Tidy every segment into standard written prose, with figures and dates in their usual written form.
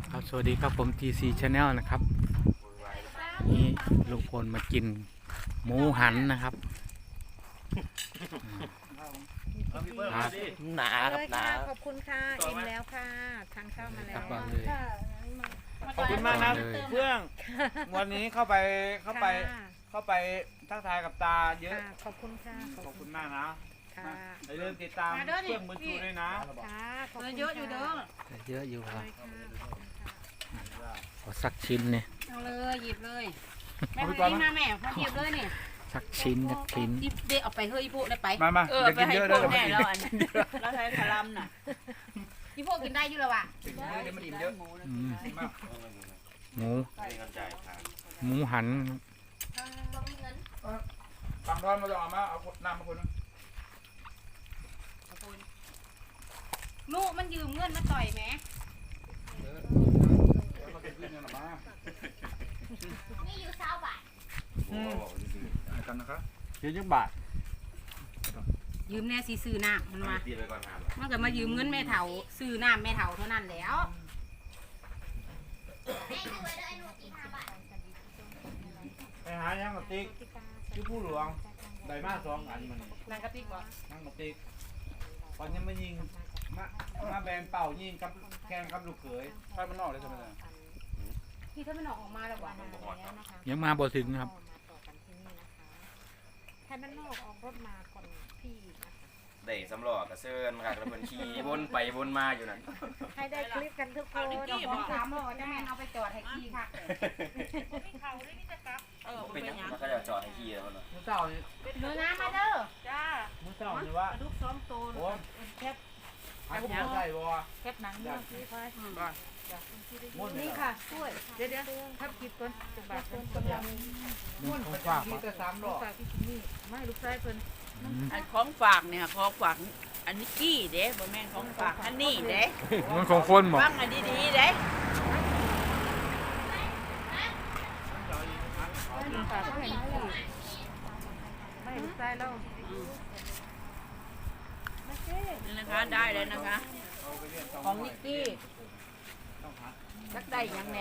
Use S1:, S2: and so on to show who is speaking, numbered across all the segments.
S1: ครับสวัสดีครับผม TC Channel นะครับนี่ลุงพลมากินหมูหันนะครับ
S2: หนาครับหนา
S3: ขอบคุณค่ะอิ่มแล้วค่ะทานข้าวมาแล้
S1: กลับ
S3: ว
S1: บ้านเลย
S4: ขอบคุณมากนะเพื่อนวันนี้เข้าไป
S3: ค่ะ
S4: ทักทายกับตาเยอะ
S3: ค่ะขอบคุณค่ะ
S4: ขอบคุณมากนะ
S3: ค่ะ
S4: อย่าลืมติดตามเพื่อนมือชูด้วยนะ
S3: ค่ะขอบคุณ
S5: เยอะอยู่เด้อ
S1: เยอะอยู่ครับ
S3: ค่ะ
S1: ขอสักชิ้นเนี่ย
S5: เอาเลยหยิบเลยแม่คนนี้มาแม่พอหยิบเลยนี่
S1: สักชิ้นสักชิ้น
S5: หยิบเด็กเอาไปเฮ้ยอีพวกได้ไป
S4: มา
S5: ไป
S4: จะกิน
S5: ให้
S4: เยอะ
S5: พ
S4: เล
S5: วย กแม่แล้วอันแล้วใช้พลัมน่ะอีพวกกินได้อยู่แล้วว่ะ
S4: กินเยอะเดี๋ยวมันอิ่มเยอะ
S1: อืม
S4: มาก
S1: หมูหัน
S4: ฝั่งร้อนมาลองมาเอาน้ำมาคนนึง
S5: ลูกมันยืมเงินมาต่อยแม่
S4: มากินเงินหน่อยมา
S5: นี่อยู่เช้าบ่าย
S4: กันนะครับ
S2: เยอะจังบาท
S5: ยืมแน่สิซื้อน้ำมันมามันก็มายืมเงินแม่เฒ่าซื้อน้ำแม่เฒ่าเท่านั้นแล้ว
S4: ไปหายังกับติ๊กชื่อผู้หลวงได้มา2 อันมัน
S5: นางกระติกบ่
S4: นั่งกับติ๊กตอนยังไม่ยิงมาแบนเป่ายิงกับแข่งกับลูกเขยไฟมันนอกเลยใช่ไหมล่ะ
S5: พี่ถ้ามันออกมาแล้วว่ะ
S1: ยังมาบ่ถึงครับ
S3: ให้มันนอกออกรถมาก่อนพี่นะคะ
S2: ได้สำรอกกระเซินค่ะกระเพิ่นขี่วนไปวนมาอยู่นั่น
S3: ให้ได้คลิปกันทุกคน
S5: เจ้าของถามว่าจะแม่เอาไปจอดให้ขี้ค่ะ
S2: เป็นยังมันก็จะจอดให้ขี่แล้วเนาะ
S4: มื้อเช้านี่
S5: เนื้อน้ำมาเด้อ
S4: มื้อเช้านี่ว่า
S5: ลูกซ้อมโต
S4: โอ้ยหาก็บ่ใช่บ่
S5: แคบหนัง
S4: อยากกินบ้านมุ่น
S3: นี่ค่ะช่วยเดี๋ยวทับคลิปก่อนจะบาทเพิ่นกำลัง
S4: มุ่นของฝากแต่3 ดอก
S3: ฝากพี่ชิมมี่ไม่ลูกชายเพิ่น
S6: อันของฝากเนี่ยของฝากอันนี้กี้เด้บ่แม่นของฝากอันนี้เด้
S1: มันของคนบอก
S6: ฟังอันดีๆเด้
S3: ฝากให้พี่ไม่ลูกชายเรา
S6: นี่นะคะได้แล้วนะคะ ของนิกกี้สักได้หยังแหน่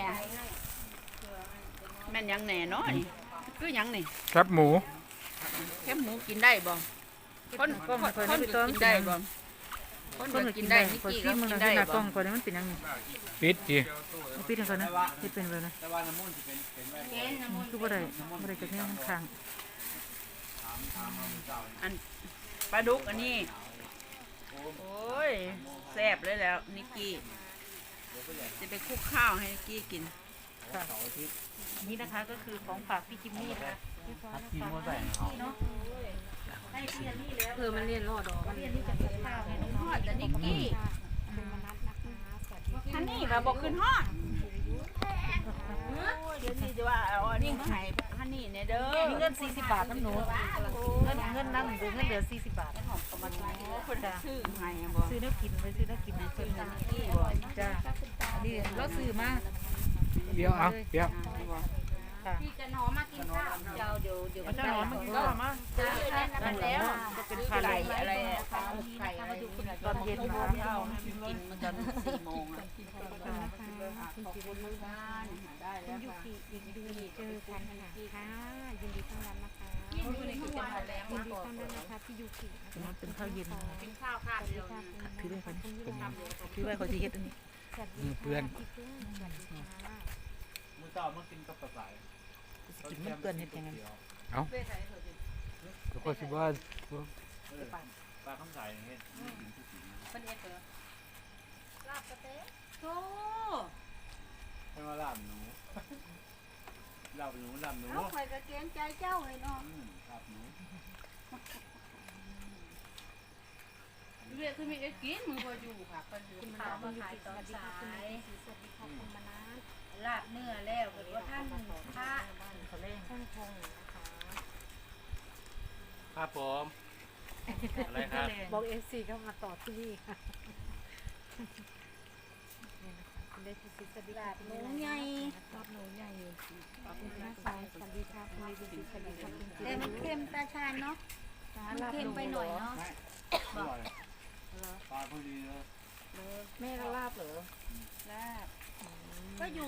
S6: แม่นหยังแหน่เนาะนี่คือหยังนี่
S1: ครับหมู
S6: แค่หมูกินได้บ่คนกินได้บ่คนกินได้นิกกี้ก็กินได้บ่
S3: ก่อนมันเป็นยังไง
S1: ปิดจี
S3: ปิดให้ก่อนนะเฮ็ดเป็นเลยนะ
S4: แต่ว่าน้ำมุ่นสิเป็นไว้
S5: เกณฑ์น้ำมัน
S3: คือบ่ได้จะแค่ข้าง
S6: อันปลาดุกอันนี้โอ้ยแซ่บเลยแล้วนิกกี้จะไปคลุกข้าวให้นิกกี้กิน
S3: นี่นะคะก็คือของฝากพี่จิมมี่นะคะ
S4: กินบ่ใส่
S5: มันเรียนรอดอก
S3: เรียนที่จะกินข้าวให้น้อง
S6: ฮอดแต่นิกกี้
S3: คุณมนัสนะคะสวัสดี
S6: อันนี้เราบอกขึ้นฮอดเดี๋ยวนี้จะว่าเอาอันนี้มาให้อันนี้เนี่ยเด้อ
S3: มีเงิน40 บาทน้ำหนูเงินนั่งดูเงินเหลือ40 บาท
S6: คนซื้อให้บ่
S3: ซื้อน้ำกินไปซื้อน้ำกินให้เพิ่นนะจ้าอันนี้เราซื้อมา
S1: เดี๋ยวเอาเดี๋ยว
S3: ค่ะ
S5: พี่จะหนอมากินข้าวเดี๋ยว
S3: เอาเจ้าหนอนมากินข้าวมา
S5: นั่นแล้ว
S3: ก็เป็นพัน
S6: ไก่อะไรไก่อะไร
S3: ตอนเย็นนะคะ
S6: ข้าวกินมันตอน4 โมงอ่ะ
S5: ขอบคุณมากได้แล้ว
S3: ยู
S5: ค่ะ
S3: กิอีกดูเจอกันค่ะยินดีต้อนรับนะคะ
S5: ยินดีที่จะมาแล้ว
S3: ยินดีต้อนรับนะคะพี่ยูกิเป็นข้าวเย็น
S5: กินข้าวข้าวเดียว
S3: ถือไว้คนถือไว้คนที่เฮ็ดอันนี้
S1: เพื่อน
S4: มื้อเช้ามากินกับปลาไหล
S3: กินมันเปื้อนเฮ็ดยังไง
S1: ทุกคนสิว่า
S4: ปลาข้าวใส่เฮ็ด
S5: เป็นเอฟเฟอร์ลาบกระเต๊ะโธ่
S4: ให้มาลาบหนูลาบหนูลาบหนู
S5: เอาข่อยกระเกรงใจเจ้าเลยเนาะ
S4: ลาบหนู
S5: เรียกคือมีเอ็กกินมือพออยู่ค่ะก็อยู่ข้าวมาขายตอนสาย
S3: สวัสดีค่ะคุณมนัส
S5: ลาบเนื้อแล้วหรือว่าท่านพระ
S3: เขาเล่นช่างพงนะคะ
S4: ครับผมอะไรครับ
S3: บอกเอฟซีเข้ามาต่อที่นี่ค่ะนี่นะคะคุณได้ที่สวัสดีค่ะ
S5: หมูใหญ่
S3: รอบหนูใหญ่ขอบคุณนะสายสวัสดีค่ะคุณดีดีสวัสดีค่ะคุณ
S5: แต่มันเค็มตาชานเนาะมันเค็มไปหน่อยเนาะ
S4: อร่อยปลาพอดีเลย
S3: แม่ก็ลาบเหรอ
S5: ลาบ
S3: อ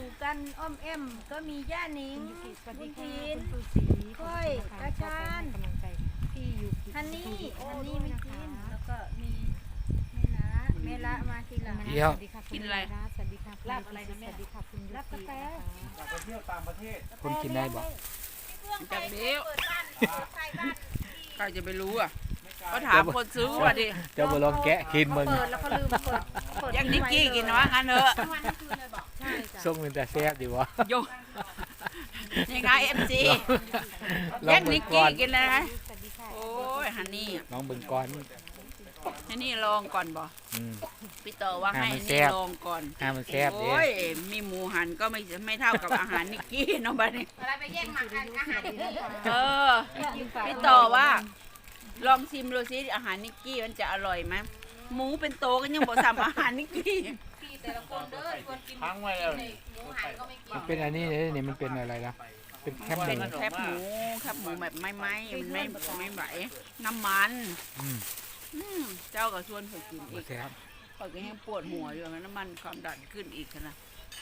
S7: กันอ้อมแอมก็มีย่านิง
S3: คุณยูกิสวัส
S7: บุ
S3: ดี
S7: ญ
S3: ค่ะ
S7: ทีน
S3: คุณปูสี
S7: ค่อยกระชาน
S3: กำลังใจพี่ยูกิ
S7: ฮันนี่
S3: โอ้
S7: ฮัน
S3: ด้
S7: นี่
S3: วย
S7: ไม่
S3: นะ
S7: กิ
S3: คะ
S7: นแล้วก็มีเมละมาทีหลัง
S1: เดี๋ยว
S3: สวัสดีค่ะคุณรัตน์สวัสดีค่ะคุณ
S5: ลาบอะไรนะแม่
S3: สวัสดีค่ะคุณยูกิ
S7: ลาบกาแฟ
S4: อยากไปเที่ยวต่างประเทศ
S1: คุณกินได้บ่
S6: จากเดียว
S7: ใส่บ้าน
S6: ใครจะไปรู้อ่ะ
S4: ไม่ไกล
S6: ก็ถามคนซื้อว่าดิ
S1: เจ้าบ่ลองแกะกินมึง
S7: เปิดแล้วก็ลืมเปิด
S6: ยังนิกกี้กินว่างั้นเถอะ
S7: ใช่จ้ะ
S1: ส่งเป็นแต่แซ่บดีวะ
S6: โยยังไงเอ็มจี
S1: ลอ
S6: ยัง ง
S1: เบิ่
S6: นิ
S1: ง
S6: ก
S1: ก่
S6: กี้
S1: อน
S6: กินเลยนะ
S3: สวัสดีค่ะ
S6: โอ้ยฮันนี่
S1: ลองเบิ่งก่อน
S6: ฮันนี่ลองก่อนบ่
S1: อืม
S6: พี่ต่อว่าให้
S1: ให้มัน
S6: ฮัน
S1: แซ่
S6: นี่
S1: บ
S6: ลองก่อน
S1: ให้มันแซ่บเด้
S6: โอ้ยมีหมูหันก็ไม่เท่ากับอาหารนิกกี้เนาะบ้านี้
S5: เวลาไปแย่งหมักกันอาหาร
S6: เออพี่ต่อว่า ลองชิมดูซิอาหารนิกกี้มันจะอร่อยไหมหมูเป็นโตกันยังบอกซ้ำอาหารนิกกี้
S5: พี่แต่ละคนเด้อชวนกิน
S4: ค้างไว้แล้ว
S5: หมูหันก็ไม่กิน
S1: มันเป็นอันนี้เลยนี่มันเป็นอะไรนะเป็นแคบห
S6: เป็
S1: มู
S6: นแคบหมูแบบไม่ไหวน้ำมัน
S1: อืม
S6: เจ้าก็ชวนผมกิน
S1: บ่
S6: อีก
S1: แซ่บ
S6: ข่อยก็ยังปวดหัวอยู่นะน้ำมันความดันขึ้นอีกนะ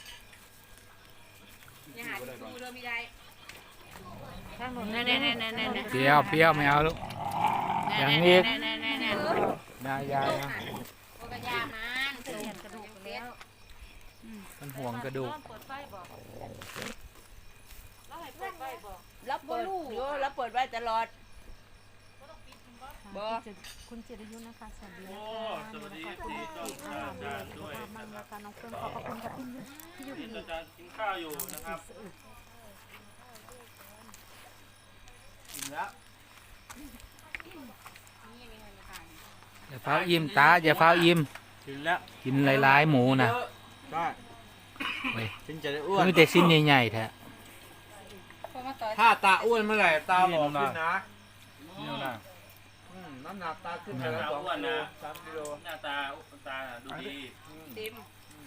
S5: อย่าหาที่ดูเลยไม่ได้
S6: แน่ๆๆๆๆ
S1: เปรี้ยวเปรี้ยวไม่เอาลูก อย่างนี้
S6: แน่ๆๆ
S1: ยายานะ
S5: โอกระยามันเสียนกระดูกแล้ว
S1: มันห่วงกระดูก
S5: เปิดไฟบอกแล้วให้เปิดไฟบอก
S6: ๆรับเปิดอยู่รับเปิดไว้ตลอด บ่
S3: คุณจิรยุนะคะสวัสดีนะคะสวัสดีที่เจ้าด้วยมันนะคะน้องเฟิร์นขอบพระคุณกับพี่ยูกิ
S8: อาจารย์กินข้าวอยู่นะครับ
S4: อิ่มแล้ว
S1: อย่าฟ้าวอิ่มตาอย่าฟ้าวอิ่ม
S4: ถึงแล้ว
S1: กินหลายๆหมูนะ
S4: ได้
S1: เว้ย
S4: ฉันจะได้อ้ว
S1: มัน นมีแต่ชิ้นใหญ่ๆแท้
S4: ถ้าตาอ้วนเมื่อไหร่ตาหลอขึ้นนะ
S8: นี่นะ
S4: น้ำหนักตาขึ้นไปแล้ว2 กิโล3 กิโล
S8: หน้าตาดูดี
S6: ติม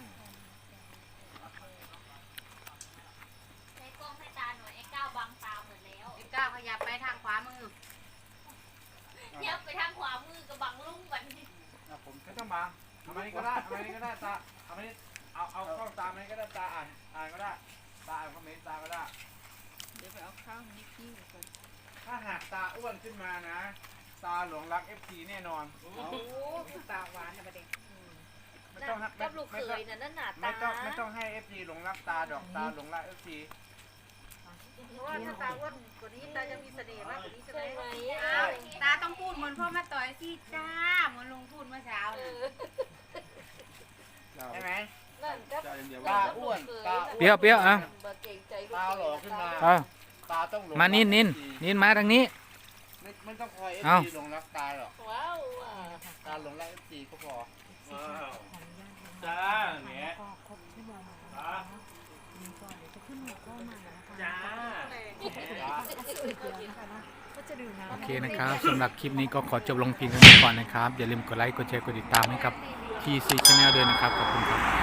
S5: ใช้กล้องให้ตาหน่อยไอ้ก้าวบังตาหมดแล้วไอ้ก้าวขยับไปทางขวามือเยับไปทางขวามือกับบังลุ่งกัน
S4: ผมไม่ต้องมาทำอันนี้ก็ได้ทำอันนี้ก็ได้ตาทำอันนี้เอากล้องตามอันนี้ก็ได้ตาอ่านก็ได้ตาอ่านคอมเมนต์ตาก็ได้
S6: เดี๋ยวไปเอาข้าวนิกกี้ก่อน
S4: ถ้าหากตาอ้วนขึ้นมานะ ตาหลงรัก FC แน่นอน
S5: โอ้ตาหวานนะประเด็น
S4: ไม่ต้องให้
S5: กับลูกเขยน่ะนั่นหนาตา
S4: ไม่ต้องให้ FC หลงรักตาดอกตาหลงรัก FC
S7: เพราะว่าถ้าตาอ้วนกว่านี้ตาจะมีเสน่ห์มากกว่านี้ใช่ไหม
S5: ตาต้องพูดเหมือนพ่อมาต่อยสิจ้าเหมือนลุงพูดเมื่อเช้าเลย
S4: ใช่ไหม
S5: นั่นก็
S4: ตาอ้วนตาอ้วน
S1: เปรี้ยวเปรี้ยวอ่ะ
S5: เก่งใจ
S4: ตาหล่อขึ้นมา
S1: เอา
S4: ตาต้องหลง
S1: มานิน
S4: รัก
S1: มาทางนี้
S4: ไม่ต้องคอย
S1: เอ้า
S4: FC หลงรักตาหรอก
S5: ว้าว
S4: ตาหลงรัก FC ก็พอ
S8: ว้าวจ้าแหม
S3: ก็ครบชั่วโมงแล้ว
S8: จ้า
S3: นะคะนี่ก็เดี๋ยวจะขึ้นหัวข้อมานะคะ
S8: จ้า
S3: ก็จะดื่มน้ำ
S1: โอเคนะครับสำหรับคลิปนี้ก็ขอจบลงเพียงเท่านี้ก่อนนะครับ อย่าลืมกดไลค์กดแชร์กดติดตามให้กับ TC Channel ด้วยนะครับขอบคุณครับ